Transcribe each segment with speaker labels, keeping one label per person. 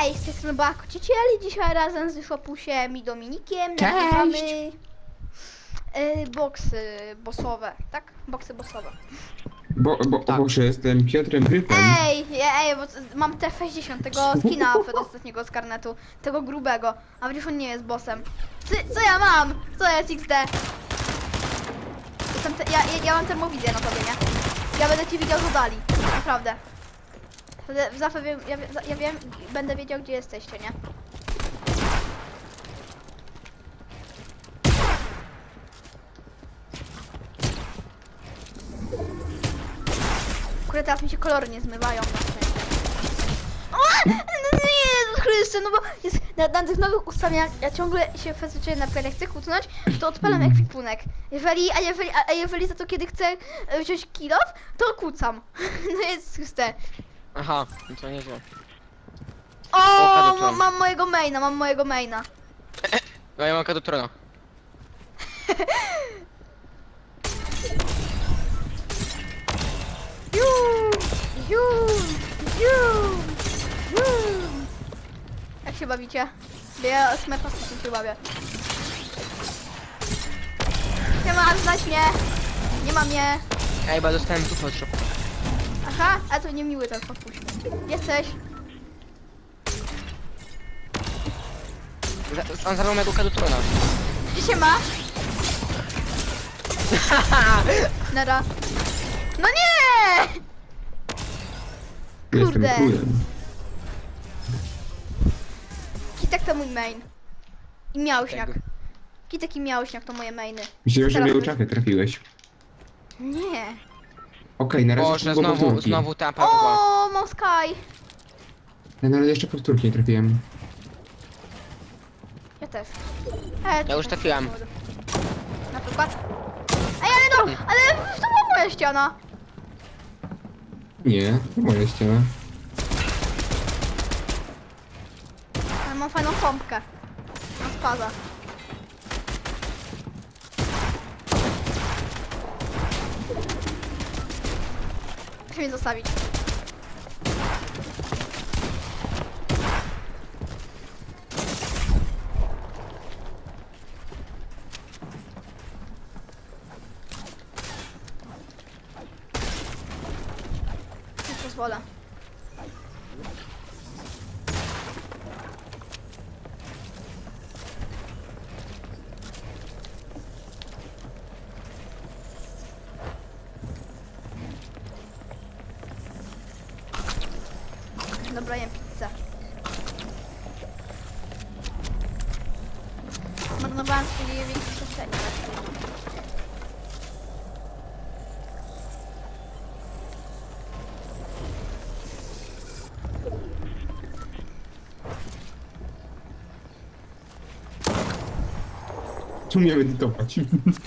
Speaker 1: Hej, z tej strony Bakociecieli, dzisiaj razem z Szopusiem i Dominikiem
Speaker 2: Cześć!
Speaker 1: nagrywamy boksy bossowe, tak? Boksy bossowe.
Speaker 2: Tak. Boże, jestem Piotrem Gryfem.
Speaker 1: Ej, bo mam T60, tego skina ostatniego z karnetu, tego grubego, a przecież on nie jest bossem. Co ja mam? Co jest XD? Ja mam termowizję na tobie, nie? Ja będę ci widział z oddali, naprawdę. Zawsze wiem, ja wiem, będę wiedział, gdzie jesteście, nie? Kurde, teraz mi się kolory nie zmywają na szczęście. O! No nie, Jezus Chryste, no bo jest na tych nowych ustawieniach, ja ciągle się fascynuję, na przykład jak chcę kucnąć, to odpalam ekwipunek. Jeżeli za to kiedy chcę wziąć kill off, to kucam. No jest Chryste.
Speaker 3: Aha, no to nieźle.
Speaker 1: O, mam mojego maina.
Speaker 3: No ja mam kadutrona.
Speaker 1: Jak się bawicie? Ja smerfa się bawię. Nie ma, znać mnie. Nie ma mnie.
Speaker 3: Ej, bo dostałem dupę od szopu.
Speaker 1: Aha, a to niemiły ten podpuść. Jesteś.
Speaker 3: On zabrał mojego kadutrona.
Speaker 1: Gdzie się ma? Nara. No nie!
Speaker 2: Jestem
Speaker 1: Kurde.
Speaker 2: królem.
Speaker 1: Kitek to mój main. I miałośniak.
Speaker 3: Tego.
Speaker 1: Kitek i miałośniak to moje mainy.
Speaker 2: Myślałem, że
Speaker 1: Teraz
Speaker 2: mnie
Speaker 1: to-
Speaker 2: uczafę trafiłeś.
Speaker 1: Nie.
Speaker 2: Okej, na razie
Speaker 3: Boże,
Speaker 2: tylko powtórki.
Speaker 3: znowu ta padła.
Speaker 1: O, mam Sky.
Speaker 2: Ja na razie jeszcze powtórki nie trafiłem.
Speaker 1: Ja też.
Speaker 3: Ja już trafiłam.
Speaker 1: Na przykład. Ej, ale no, ale to była moja ściana.
Speaker 2: Nie, to moja ściana.
Speaker 1: Ale mam fajną pompkę. Mam spaza. Muszę mnie zostawić. Nie pozwolę. Dobra, jem pizzę. Marnowałem swoje większe przestrzenie.
Speaker 2: Tu mnie medytować.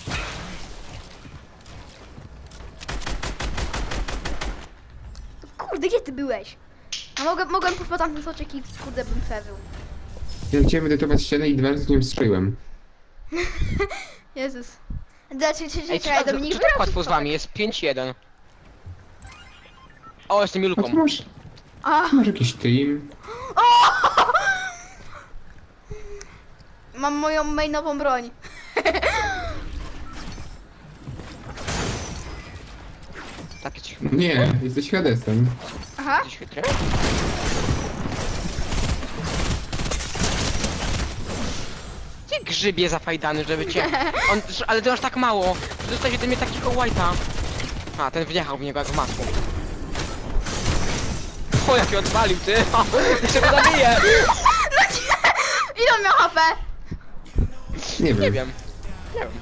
Speaker 1: Kurde, gdzie ty byłeś? A mogłem pójść po tamten soczek i kurde bym przeżył.
Speaker 2: Ja chciałem medytować ścianę i 2 razy nie strzeliłem.
Speaker 1: Jezus.
Speaker 3: Ej,
Speaker 1: Czekaj, Dominik,
Speaker 3: co tak łatwo z wami? Jest 5-1. O, jestem
Speaker 2: A
Speaker 3: Julką.
Speaker 2: tu masz,
Speaker 1: A,
Speaker 2: masz jakiś team?
Speaker 1: mam moją mainową broń.
Speaker 3: Takie ci
Speaker 2: Nie, jesteś Hadesem.
Speaker 1: Aha.
Speaker 3: gdzieś chytrę? Ty grzybie zafajdany, żeby cię... Ale ty masz tak mało, że dostałeś ode mnie takiego white'a. A, ten wjechał w niego jak w masło. O, jak się odwalił, ty! O, jeszcze go zabiję!
Speaker 1: Ile on miał HP?
Speaker 2: Nie wiem.
Speaker 3: Nie wiem. Nie wiem.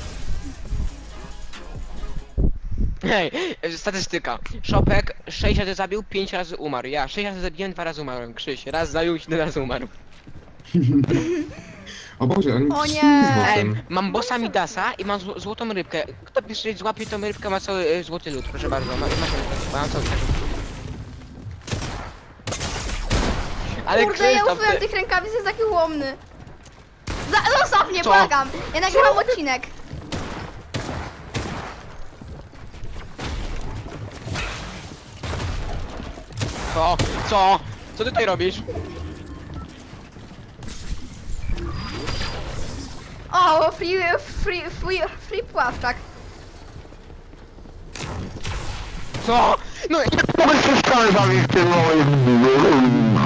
Speaker 3: Hej, statystyka. Szopek 6 razy zabił, 5 razy umarł. Ja 6 razy zabiłem, 2 razy umarłem. Krzyś, raz zabił, 7 razy umarł.
Speaker 2: O Boże, on
Speaker 1: O
Speaker 2: jest
Speaker 1: nie.
Speaker 2: z
Speaker 3: Ej,
Speaker 2: bossem.
Speaker 3: mam bossa Midasa i mam złotą rybkę. Kto pierwszy złapie tą rybkę, ma cały złoty lód, proszę bardzo. Masz mam cały Ale
Speaker 1: Kurde, ja
Speaker 3: Krzysztof,
Speaker 1: użyłem
Speaker 3: ty...
Speaker 1: tych rękawic, jest taki łomny. Zostaw mnie,
Speaker 3: Co?
Speaker 1: błagam. Ja nagrywam odcinek.
Speaker 3: Co? Co? Co ty tutaj robisz?
Speaker 1: O, free płaszczak.
Speaker 3: Co? No jak mogę się ścianę zabić w tym moim...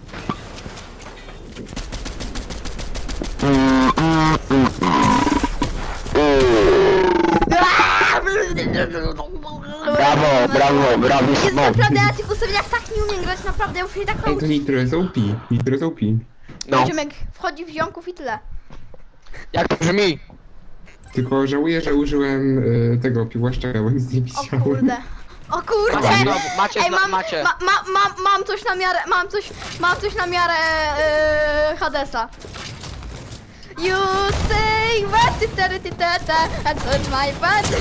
Speaker 1: Jest naprawdę, ja tych ustawieniach tak nie umiem grać, naprawdę, ja muszę się tak
Speaker 2: Ej, to
Speaker 1: nauczyć.
Speaker 2: Nitro jest OP. Nitro jest OP.
Speaker 3: No,
Speaker 1: Ziomek wchodzi w ziomków i tyle.
Speaker 3: jak to brzmi?
Speaker 2: Tylko żałuję, że użyłem tego piłaszczaka, bo nic nie
Speaker 1: O
Speaker 2: widziałem.
Speaker 1: kurde. O kurde!
Speaker 3: Macie znowu, macie,
Speaker 1: Ej,
Speaker 3: macie.
Speaker 1: mam coś na miarę, mam coś na miarę Hadesa. You say what it and touch my butt.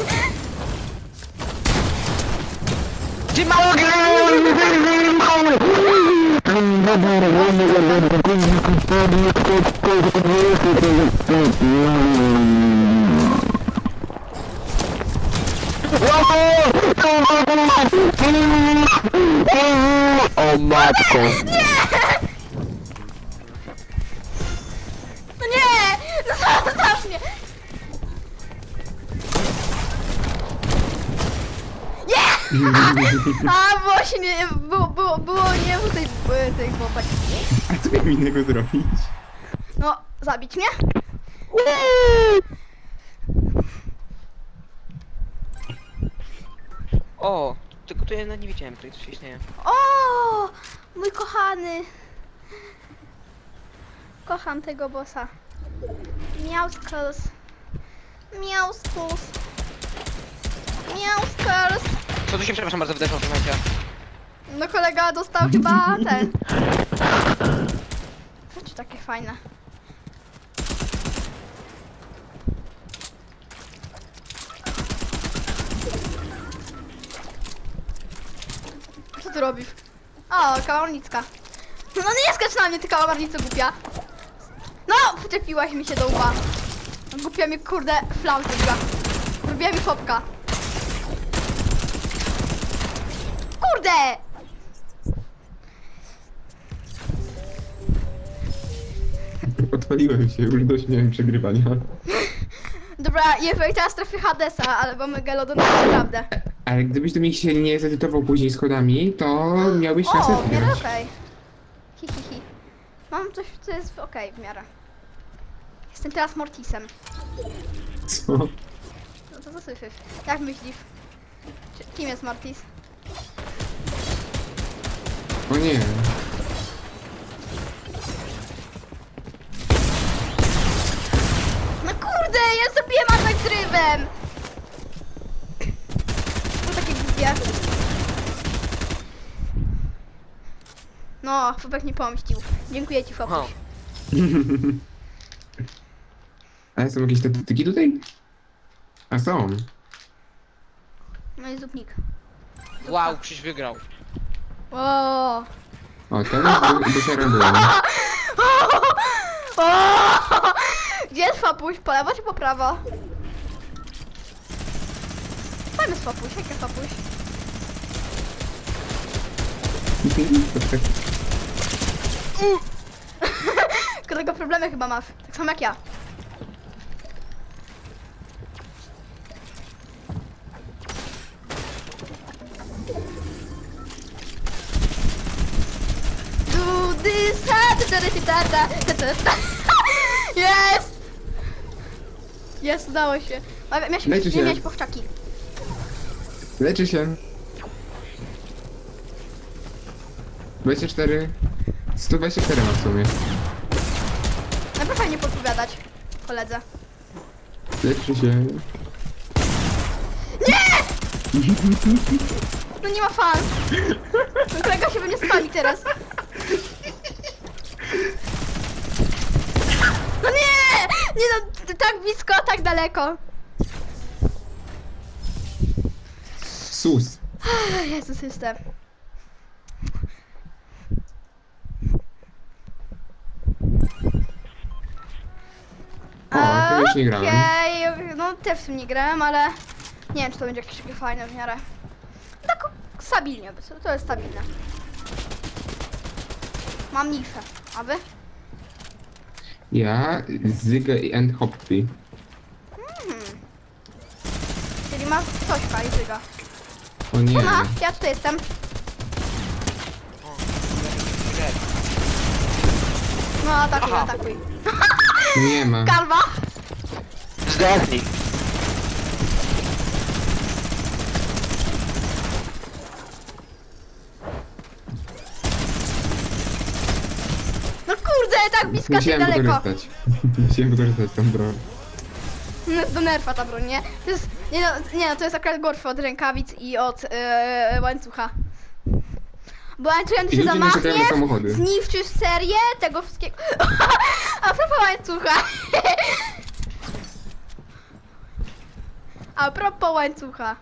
Speaker 3: Ty mało O matko.
Speaker 1: No nie! Zostaw mnie! Nie! A, było się nie, było nie w tej chłopak.
Speaker 2: A co miałem innego zrobić?
Speaker 1: No, zabić mnie?
Speaker 3: O, tylko to ja nie widziałem, to się śmieję.
Speaker 1: O, mój kochany. Kocham tego bossa. Miauskus. Miauskus. Miauskus.
Speaker 3: Co tu się, przepraszam bardzo, wydarzyło w tym momencie?
Speaker 1: No kolega dostał chyba ten. Rzeczy takie fajne. Co ty robisz? O, kałamarnicka. No nie skacz na mnie, ty kałamarnico głupia. No, przyczepiłaś mi się do łba. Głupia mi kurde flam zrobiła. Zrobiła mi chłopka. Kurde!
Speaker 2: Odpaliłem się, już dość miałem przegrywania.
Speaker 1: Dobra, jeżeli teraz trafię Hadesa albo Megalodona, to naprawdę.
Speaker 2: Ale gdybyś do mnie się nie zedytował później schodami, to miałbyś szansę
Speaker 1: O, w miarę
Speaker 2: wygrać.
Speaker 1: okej. Hi, hi, hi. Mam coś, co jest okej w miarę. Jestem teraz Mortisem.
Speaker 2: Co?
Speaker 1: No to co słyszysz? Jak myślisz? Kim jest Mortis?
Speaker 2: O nie.
Speaker 1: No kurde, ja zabiłem atak drywem! To takie głupie. No, chłopak nie pomścił. Dziękuję ci,
Speaker 3: Aha.
Speaker 1: chłopak.
Speaker 2: Ale są jakieś statystyki tutaj? A są.
Speaker 1: No i zupnik.
Speaker 3: Wow, Krzyś wygrał.
Speaker 1: O.
Speaker 2: O, teraz dosiarem byłem.
Speaker 1: Gdzie jest Fapuś? Po lewo czy po prawo? Tam jest Fapuś, jak jest Fapuś? Którego problemy chyba masz, tak samo jak ja. Do this, jest! Jest, udało się. Miałeś
Speaker 2: Leczy się.
Speaker 1: nie miałeś powczaki.
Speaker 2: Leczy się. 24. 124 ma w sumie.
Speaker 1: Naprawdę fajnie podpowiadać koledze.
Speaker 2: Leczy się.
Speaker 1: No nie ma fan. Mój kolega się we mnie spali teraz. No nie! Nie no, tak blisko, tak daleko.
Speaker 2: Sus.
Speaker 1: Jezus, jestem.
Speaker 2: O, to już nie grałem.
Speaker 1: Okej, no też w tym nie grałem, ale nie wiem, czy to będzie jakieś takie fajne w miarę. Tak stabilnie, to jest stabilne. Mam niszę, a wy?
Speaker 2: Ja, Zyga i and Hoppy.
Speaker 1: Czyli ma coś fajnego.
Speaker 2: O nie.
Speaker 1: Ona, ja tutaj jestem. No atakuj,
Speaker 3: Aha.
Speaker 1: atakuj.
Speaker 2: Nie ma.
Speaker 1: Kalwa!
Speaker 3: Zdechnij.
Speaker 1: No kurde, tak blisko, tak
Speaker 2: Musiałem
Speaker 1: daleko.
Speaker 2: wykorzystać. Musiałem wykorzystać tą broń.
Speaker 1: No jest do nerfa ta broń, nie? To jest, nie no, to jest akurat gorsze od rękawic i od łańcucha. Bo łańcuchem ty
Speaker 2: I
Speaker 1: się
Speaker 2: ludzie narzekają na
Speaker 1: zamachniesz,
Speaker 2: samochody.
Speaker 1: zniszczysz serię tego wszystkiego. A propos łańcucha. A propos łańcucha.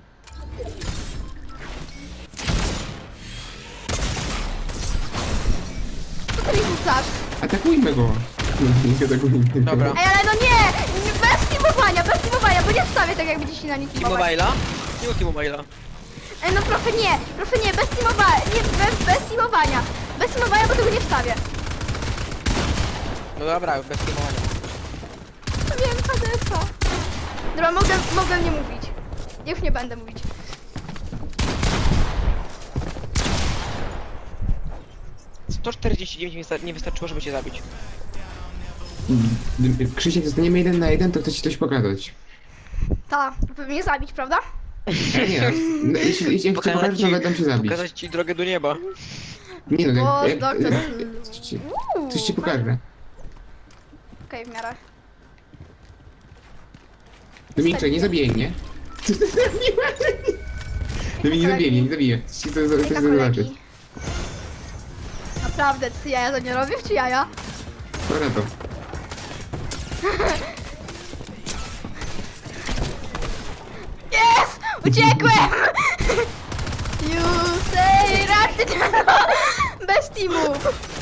Speaker 1: Co ty mi rzucasz?
Speaker 2: Atakujmy go. Nie atakujmy go.
Speaker 3: Dobra.
Speaker 1: Ej, ale no nie! Bez teamowania, bo nie wstawię tak jakby dzisiaj na nic teamować.
Speaker 3: T-Mobile'a? Nie T-Mobile'a.
Speaker 1: Ej, no proszę nie, bez teamowania, nie, bez teamowania. Bez teamowania, bo tego nie wstawię.
Speaker 3: No dobra, bez T-Mobile'a.
Speaker 1: To wiem, HDS-a. Dobra, mogę nie mówić. Już nie będę mówić.
Speaker 3: To 49 nie wystarczyło, żeby cię zabić.
Speaker 2: Gdy Krzysiek, zostaniemy 1 na 1, to chcę ci coś pokazać.
Speaker 1: Ta, żeby mnie zabić, prawda?
Speaker 2: A nie, no, jeśli chcę pokażę, to będę się zabić.
Speaker 3: Pokazać ci drogę do nieba.
Speaker 2: Nie no,
Speaker 1: O,
Speaker 2: jak,
Speaker 1: doktor.
Speaker 2: coś ci pokażę.
Speaker 1: Okej, w miarę.
Speaker 2: Dominikcze, nie zabijaj mnie. Co ty zrobiłaś? No mnie nie zabije, nie zabije. Chcę
Speaker 1: Jaka
Speaker 2: zobaczyć.
Speaker 1: kolegi. Naprawdę, ty jaja to nie robisz, czy jaja?
Speaker 2: Dobra to.
Speaker 1: Jest! Uciekłem! You say right. Bez teamu!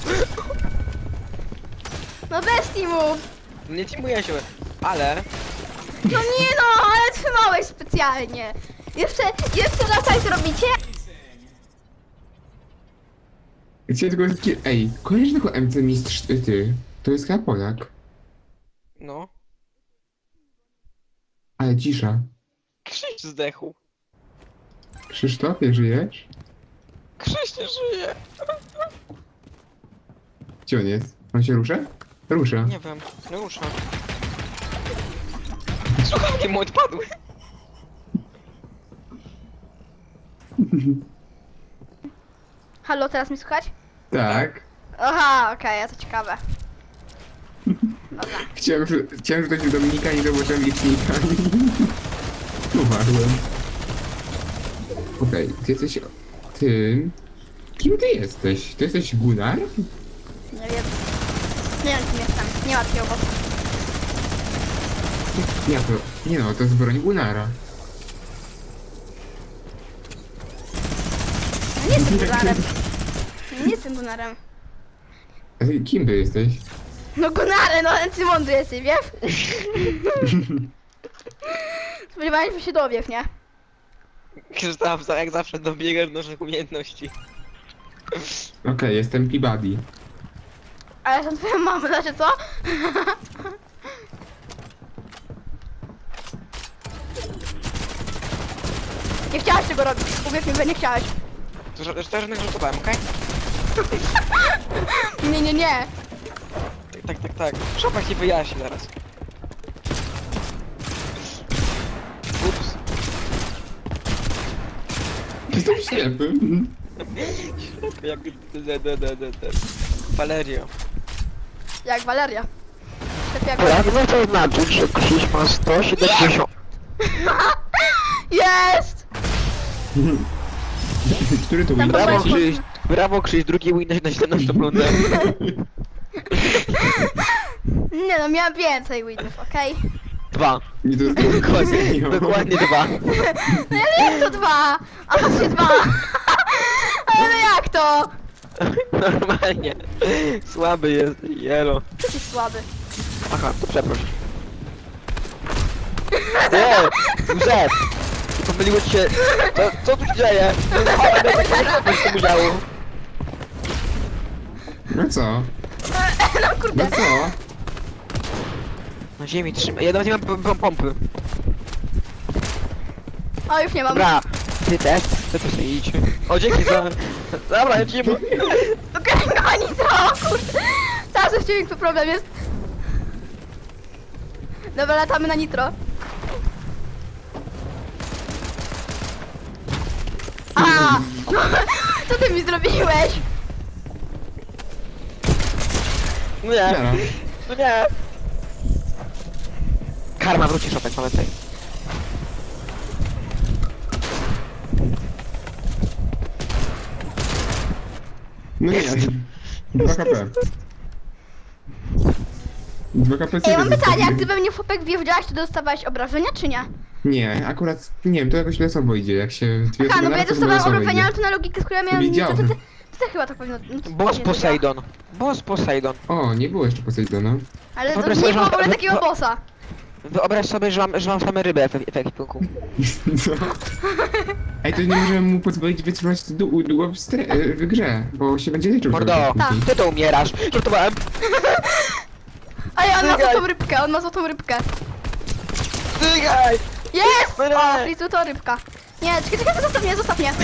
Speaker 1: No bez teamu!
Speaker 3: Nie teamuję się, ale...
Speaker 1: No nie no, ale trzymałeś specjalnie! Jeszcze raz tak zrobicie?
Speaker 2: Chciałem tylko... Ej, kojarzysz tego MC Mistrz ty? To jest chyba Polak.
Speaker 3: No.
Speaker 2: Ale cisza.
Speaker 3: Krzyś zdechł.
Speaker 2: Krzysztofie, żyjesz?
Speaker 3: Krzyś nie żyje.
Speaker 2: Gdzie on jest? On się rusza? Rusza.
Speaker 3: Nie wiem, nie rusza. Słuchawki mu odpadły.
Speaker 1: Halo, teraz mi słychać?
Speaker 2: Tak.
Speaker 1: Aha, okej, to ciekawe. Dobra.
Speaker 2: Chciałem rzucać w Dominika, nie zobaczyłem licznika. Umarłem. Okej, ty jesteś... Ty... Kim ty jesteś? Ty jesteś Gunnar?
Speaker 1: Nie wiem. Nie wiem, kim jestem. Nie ma takiego bossa.
Speaker 2: Nie, to... Nie no, to jest broń Gunnara.
Speaker 1: Nie jestem Gunarem. Nie jestem Gunarem.
Speaker 2: A ty kim ty jesteś?
Speaker 1: No Gunare, no ty mądry jesteś, wiesz? Spodziewałem się dowiesz, nie?
Speaker 3: Krzysztof, jak zawsze dobiegasz do naszych umiejętności.
Speaker 2: Okej, jestem Peabody.
Speaker 1: A ja jestem twoją mamą, znaczy co? Nie chciałaś tego robić, uwierz mi, że nie chciałaś.
Speaker 3: To żadnych żartowałem, okej?
Speaker 1: Nie.
Speaker 3: Tak. Szopa ci wyjaśni zaraz. Ups.
Speaker 2: Jestem ślepy.
Speaker 3: Jak... Valerio.
Speaker 1: Jak Valeria. Tak jak...
Speaker 4: Pragnę zaznaczyć, że Krzyś ma 170.
Speaker 1: Jest!
Speaker 2: Który to
Speaker 1: Tam
Speaker 2: win?
Speaker 1: Brawo,
Speaker 4: Brawo Krzyś, drugi win na 17 rundę.
Speaker 1: Nie no, miałam więcej winów, okej?
Speaker 4: 2.
Speaker 2: Nie to
Speaker 4: Dokładnie, dokładnie 2.
Speaker 1: No ja wiem, to 2! A właśnie 2! Ale no jak to?
Speaker 4: Normalnie. Słaby jest, jelo.
Speaker 1: Ty jesteś słaby.
Speaker 4: Aha, to przeproś. Nie, Józef! Pomyliło ci się. Co tu się dzieje? Ale mnie tak nie się musiało.
Speaker 2: No co?
Speaker 1: No kurde.
Speaker 2: No co?
Speaker 3: Na ziemi trzyma. Ja nawet nie mam pompy.
Speaker 1: O, już nie mam.
Speaker 3: Dobra, ty też sobie idź. O, dzięki za... Dobra, ja ci nie...
Speaker 1: Okej, no nitro, kurde. Teraz już dźwięk, to problem jest. Dobra, latamy na nitro. A! Co ty mi zrobiłeś?
Speaker 3: No nie,
Speaker 2: Zero.
Speaker 3: no nie. Karma wróci, Szopek, pamiętaj.
Speaker 2: No nie, 2 KP. 2 KP
Speaker 1: Ej, mam
Speaker 2: sobie
Speaker 1: pytanie, jak
Speaker 2: zostawiłem.
Speaker 1: ty we mnie chłopak wjeżdżałeś, to dostawałeś obrażenia, czy nie?
Speaker 2: Nie, akurat, nie wiem, to jakoś losowo idzie, jak się... dwie
Speaker 1: Aha,
Speaker 2: osoby
Speaker 1: no bo ja
Speaker 2: naraz, to
Speaker 1: dostawałam
Speaker 2: losowo
Speaker 1: obrażenia,
Speaker 2: idzie.
Speaker 1: ale to na logikę, z którą ja miałem...
Speaker 2: Widziałem.
Speaker 1: To chyba tak powinno... no, to
Speaker 3: Boss
Speaker 1: nie
Speaker 3: Poseidon. Boss Poseidon.
Speaker 2: O, nie było jeszcze Poseidona.
Speaker 1: Ale to
Speaker 3: Wyobraź
Speaker 1: nie
Speaker 3: sobie,
Speaker 1: było
Speaker 3: że-
Speaker 1: w ogóle takiego bossa.
Speaker 3: Wyobraź sobie, że mam same ryby w ekwipunku.
Speaker 2: Co? Ej, to nie możemy mu pozwolić wytrzymać długo w grze, bo się będzie liczył.
Speaker 3: Mordo,
Speaker 2: cały czas później.
Speaker 3: ty to umierasz. Żartowałem.
Speaker 1: Ej, on ma
Speaker 3: Stygaj.
Speaker 1: złotą rybkę, on ma złotą rybkę.
Speaker 3: Stygaj!
Speaker 1: Jest!
Speaker 3: No nie.
Speaker 1: O, Frizu to rybka. Nie, czekaj, zostaw mnie.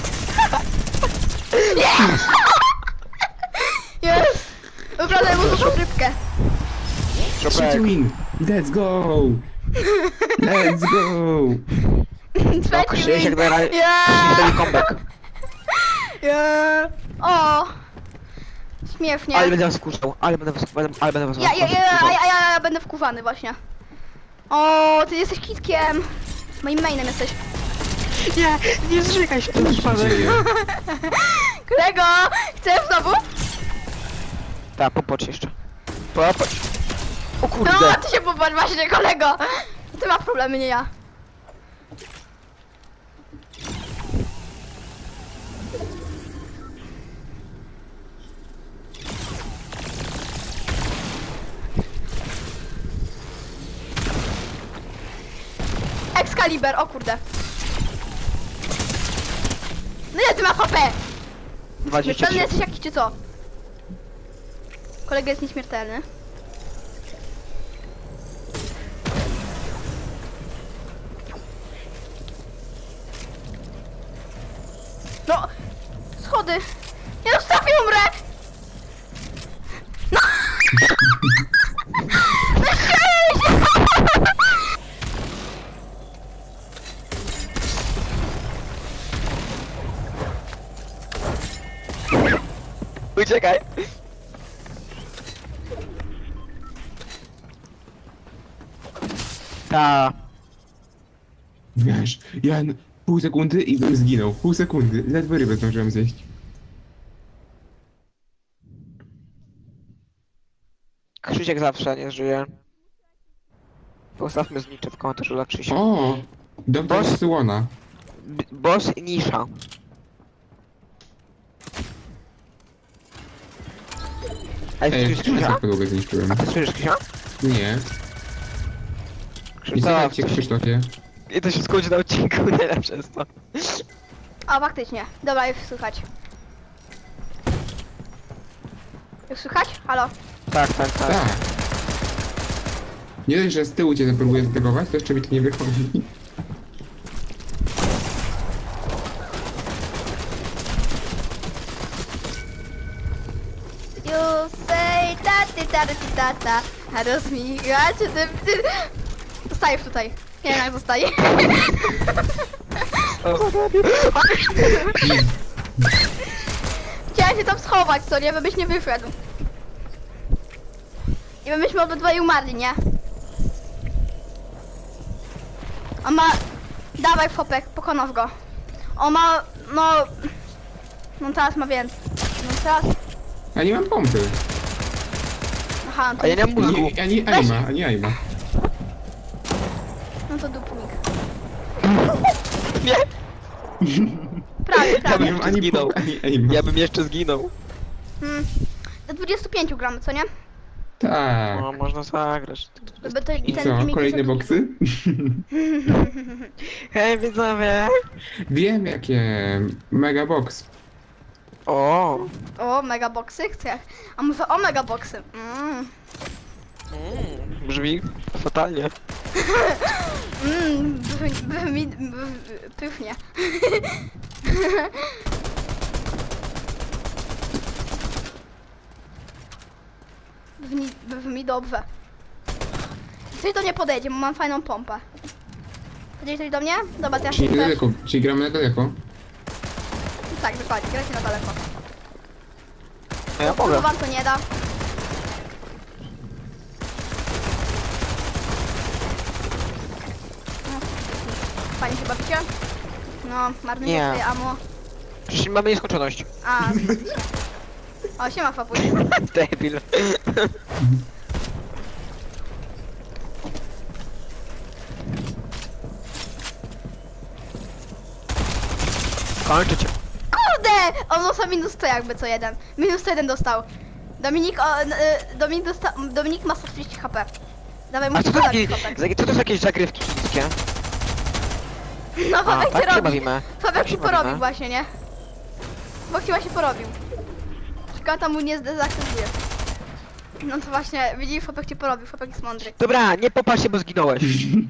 Speaker 1: Jest! Jest! Wybrałem mu złotą rybkę.
Speaker 3: Szopek.
Speaker 2: Trzeci win! Let's go! Let's go!
Speaker 3: No,
Speaker 1: Trzeci
Speaker 3: Krzysiek
Speaker 1: win.
Speaker 3: daje
Speaker 1: Yeah!
Speaker 3: Krzysiek comeback.
Speaker 1: Yeah! O! Śmiesznie.
Speaker 3: Ale będę was kuszał, ale będę was
Speaker 1: Ja będę wkuwany właśnie. O, ty jesteś kitkiem. Moim mainem jesteś.
Speaker 3: Nie zrzekaj się, to
Speaker 2: Co się dzieje?
Speaker 1: Kolego! Chcesz znowu?
Speaker 3: Tak, popatrz jeszcze. Popatrz. O kurde.
Speaker 1: No, ty się popatrz właśnie, kolego! Ty masz problemy, nie ja. Excalibur, o kurde. No ile ty masz HP?
Speaker 3: 23.
Speaker 1: Śmiertelny jesteś jakiś czy co? Kolega jest nieśmiertelny. No! Schody! Nie zostawię, umrę! No! No śmieję się!
Speaker 3: Uciekaj. Ta.
Speaker 2: Wiesz, ja pół sekundy i bym zginął. Pół sekundy. Ledwo rybę zdążyłem zjeść.
Speaker 3: Krzysiek zawsze nie żyje. Postawmy znicze w komentarzu dla Krzysia.
Speaker 2: O! Doktor
Speaker 3: Boss?
Speaker 2: Słona.
Speaker 3: Boss Nisza. Ej,
Speaker 2: Ej,
Speaker 3: słyszysz
Speaker 2: czemu ja
Speaker 3: Krzysia?
Speaker 2: tak podłogę zniszczyłem?
Speaker 3: A ty słyszysz Krzysia?
Speaker 2: Nie. Nie
Speaker 3: Krzysztof.
Speaker 2: słuchaj cię, Krzysztofie.
Speaker 3: I to się skończy na odcinku, nie przez to.
Speaker 1: A faktycznie. Dobra, już słychać. Już słychać? Halo?
Speaker 3: Tak, tak, tak.
Speaker 2: Tak. Nie dość, że z tyłu cię próbuję zategować, to jeszcze mi to nie wychodzi.
Speaker 1: You say ta, a rozmigacie ty. Zostajesz tutaj. Nie wiem jak zostaje. Chciałem się tam schować, co nie? Byś nie wyszedł. I my byśmy obydwoje umarli, nie? On ma... Dawaj Fopek, pokonasz go. On ma... No... No teraz ma więcej. No teraz...
Speaker 2: A nie mam pompy.
Speaker 1: Aha, no to,
Speaker 3: A ja nie mam mózgu.
Speaker 2: Ani Aima, ani Aima.
Speaker 1: no to dupnik.
Speaker 3: Nie!
Speaker 1: Prawie,
Speaker 2: Nie
Speaker 1: prawie.
Speaker 2: mam ani
Speaker 3: zginął.
Speaker 2: pompy, ani Aima.
Speaker 3: Ja bym jeszcze zginął.
Speaker 1: Do 25 gramy, co nie?
Speaker 2: Tak.
Speaker 3: No, można zagrać.
Speaker 1: Żeby to,
Speaker 2: I
Speaker 1: ten
Speaker 2: co,
Speaker 1: filmik
Speaker 2: kolejne
Speaker 1: jest-
Speaker 2: boksy?
Speaker 3: Hej, widzowie!
Speaker 2: Wiem jakie. Mega box.
Speaker 3: O,
Speaker 1: O, megaboxy chcę. A może o megaboxy?
Speaker 4: Brzmi fatalnie.
Speaker 1: Pysznie. Brzmi dobrze. Ktoś do mnie podejdzie, bo mam fajną pompę. Podejdzie ktoś do mnie? Dobra, to ja
Speaker 2: Czyli
Speaker 1: się
Speaker 2: daleko, czyli gramy na daleko.
Speaker 1: Tak, dokładnie, grajcie na daleko.
Speaker 4: No ja mogę.
Speaker 1: Wam to nie da. No, fajnie się bawicie? No, marnujecie
Speaker 4: Nie.
Speaker 1: swoje ammo.
Speaker 4: Przecież mamy nieskończoność.
Speaker 1: A, o, siema Fapuś.
Speaker 4: Debil. Kończę cię.
Speaker 1: Kurde! On dostał minus 100 jakby co jeden. Minus 101 dostał. Dominik ma 130 HP. Dawaj,
Speaker 4: A
Speaker 1: musisz
Speaker 4: co to,
Speaker 1: zabić
Speaker 4: taki,
Speaker 1: Fabek.
Speaker 4: co to są jakieś zagrywki wszystkie?
Speaker 1: No
Speaker 4: A,
Speaker 1: Fabek
Speaker 4: tak
Speaker 1: się
Speaker 4: się
Speaker 1: robi.
Speaker 4: bawimy.
Speaker 1: Fabek
Speaker 4: Tak
Speaker 1: się
Speaker 4: się
Speaker 1: porobił
Speaker 4: bawimy.
Speaker 1: właśnie, nie? Bo chyba się porobił. Szkoda mu nie zdezaktywuje. No to właśnie, widzisz, Fabek cię porobił, Fabek jest mądry.
Speaker 4: Dobra, nie popatrz się, bo zginąłeś.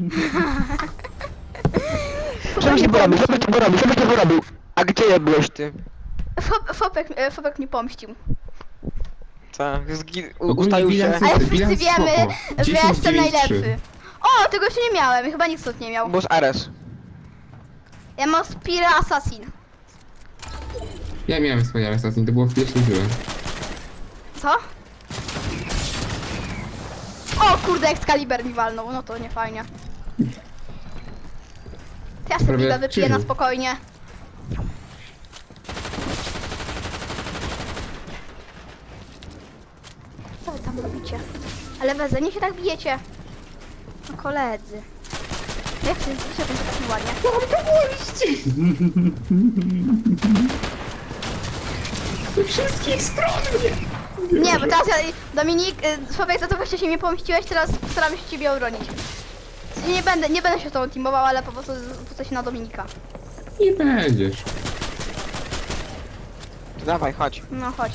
Speaker 4: Żebyś nie porobił, żebyś nie porobił, żebyś nie porobił. A gdzie byłeś ty?
Speaker 1: Fabek mnie pomścił.
Speaker 4: Co?
Speaker 2: Ogólnie
Speaker 4: Ustalił się.
Speaker 2: bilans-
Speaker 1: Ale wszyscy
Speaker 2: bilans
Speaker 1: wiemy,
Speaker 2: spoko.
Speaker 1: że
Speaker 2: 10,
Speaker 1: jestem
Speaker 2: 9, 3.
Speaker 1: najlepszy. O, tego jeszcze nie miałem, chyba nikt stąd nie miał.
Speaker 4: Bo z Ares.
Speaker 1: Ja mam Spira Assassin.
Speaker 2: Ja miałem swoje Assassin, to było w pierwszej grze.
Speaker 1: Co? O kurde, Excalibur mi walnął, no to nie fajnie. Ja sobie
Speaker 2: Prawie
Speaker 1: piwę
Speaker 2: jak
Speaker 1: wypiję na
Speaker 2: krzyżu.
Speaker 1: spokojnie. Co wy tam robicie? Ale weze, nie się tak bijecie. No koledzy. Jak się to tak nieładnie?
Speaker 2: Ze wszystkich stron mnie!
Speaker 1: Nie, bo teraz ja, Dominik, Sławek, za to właśnie się mnie pomściłeś, teraz staram się ciebie obronić. Nie będę się z tobą teamował, ale po prostu rzucę się na Dominika.
Speaker 2: Nie będziesz.
Speaker 4: To dawaj, chodź.
Speaker 1: No chodź.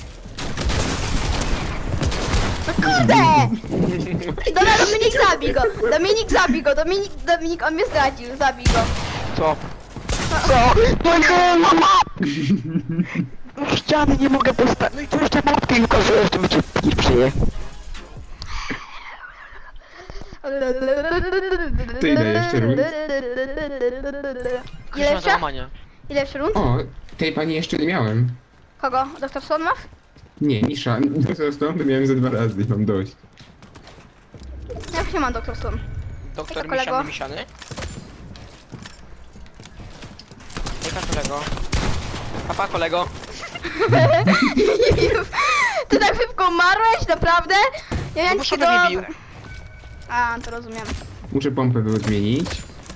Speaker 1: No kurde! Dobra, Dominik zabij go! Dominik zabij go! Dominik, on mnie zdradził, zabij go.
Speaker 4: Co? Co? No nie, mama! No ściany nie mogę postawić. No i co jeszcze mapki ukazujesz, to będzie przyje.
Speaker 2: To ile jeszcze rund?
Speaker 1: Ile jeszcze?
Speaker 3: załamania.
Speaker 1: Ile jeszcze rund?
Speaker 2: O, tej pani jeszcze nie miałem.
Speaker 1: Kogo? Doktor Słonmaw?
Speaker 2: Nie, Nisza. Zresztą to miałem ze 2 razy i mam dość.
Speaker 1: Ja już nie mam Doktor Słon.
Speaker 3: Doktor
Speaker 1: kolego.
Speaker 3: Misiany Misiany. Jaka kolego? Papa kolego.
Speaker 1: Ty tak szybko umarłeś? Naprawdę? Ja
Speaker 3: No
Speaker 1: miałem
Speaker 3: bo
Speaker 1: ci
Speaker 3: Szymon mnie bił.
Speaker 1: A, to rozumiem.
Speaker 2: Muszę pompę wyodmienić.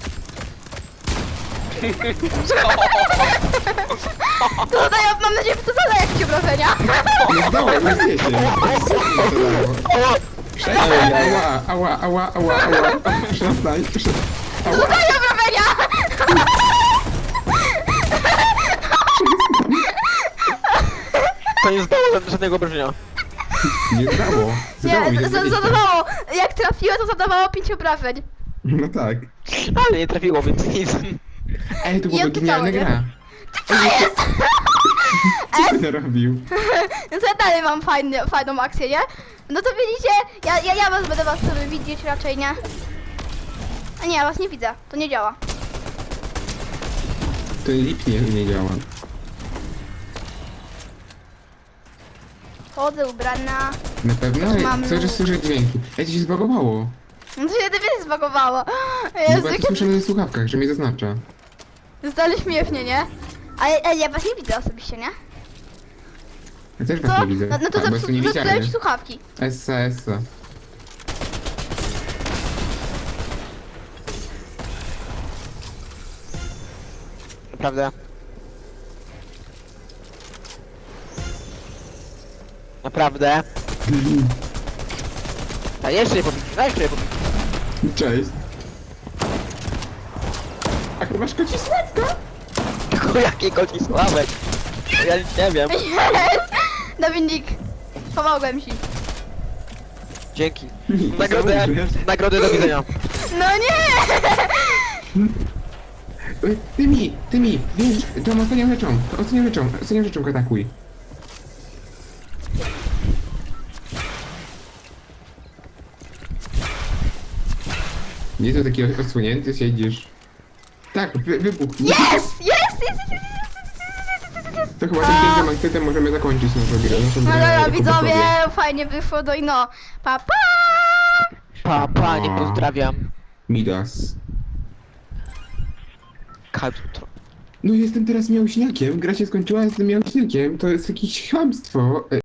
Speaker 1: To zadaję, mam nadzieję, że to zadaje ci obrażenia.
Speaker 2: Nie zdało, nie zdzie się. Ała, ała, ała, ała, ała. Przestań, przestań.
Speaker 1: To
Speaker 2: Ała,
Speaker 1: zadaje obrażenia!
Speaker 4: To nie zdało żadnego obrażenia.
Speaker 2: nie zdało. Zdało mi
Speaker 1: Nie,
Speaker 2: się 20.
Speaker 1: zadawało. Jak trafiło, to zadawało 5 obrażeń.
Speaker 2: No tak.
Speaker 4: Ale nie trafiło, więc nic.
Speaker 2: Ej, to
Speaker 1: I
Speaker 2: była
Speaker 1: odpytało,
Speaker 2: genialna
Speaker 1: nie?
Speaker 2: gra. Co ty narobił?
Speaker 1: No to ja dalej mam fajną akcję, nie? No to widzicie, ja będę was sobie widzieć raczej, nie? A nie, ja was nie widzę, to nie działa.
Speaker 2: To lipnie nie działa.
Speaker 1: Chodzę ubrana.
Speaker 2: Na pewno?
Speaker 1: Mam
Speaker 2: Co, że
Speaker 1: luk.
Speaker 2: słyszę dźwięki. Ej, to się zbagowało.
Speaker 1: No to się dopiero zbagowało.
Speaker 2: No
Speaker 1: Jezu,
Speaker 2: bo ja to
Speaker 1: jakie...
Speaker 2: słyszę na słuchawkach, że mnie zaznacza.
Speaker 1: Zdali śmiesznie, nie? Ale ja was nie widzę osobiście, nie?
Speaker 2: Ja też
Speaker 1: Co?
Speaker 2: was nie widzę.
Speaker 1: No to
Speaker 2: A, bo jest tu
Speaker 1: zepsułem
Speaker 2: niewidzialny.
Speaker 1: ci słuchawki.
Speaker 2: Essa, essa.
Speaker 4: Naprawdę. Naprawdę. A jeszcze nie pobij, jeszcze nie pobij.
Speaker 2: Cześć. A chyba masz koci sławka?
Speaker 4: Tylko jakie koci sławek. Bo ja nic nie wiem.
Speaker 1: Dominik, pomogłem ci.
Speaker 4: Dzięki.
Speaker 2: Założysz.
Speaker 4: Nagrodę do widzenia.
Speaker 1: No nie!
Speaker 2: Tymi, wiesz, tą ostatnią rzeczą go atakuj. Nie to taki odsłonięty siedzisz. Tak, wybuch.
Speaker 1: Jest!
Speaker 2: To chyba tym pięknym akcentem możemy zakończyć naszą grę.
Speaker 1: No dobra,
Speaker 2: jako
Speaker 1: widzowie,
Speaker 2: posłowie.
Speaker 1: fajnie wyszło, no i no. Pa, pa!
Speaker 4: Pa, nie pozdrawiam.
Speaker 2: Midas.
Speaker 4: Kadutro.
Speaker 2: No jestem teraz miałśniakiem, gra się skończyła, jestem miałśniakiem, to jest jakieś chamstwo.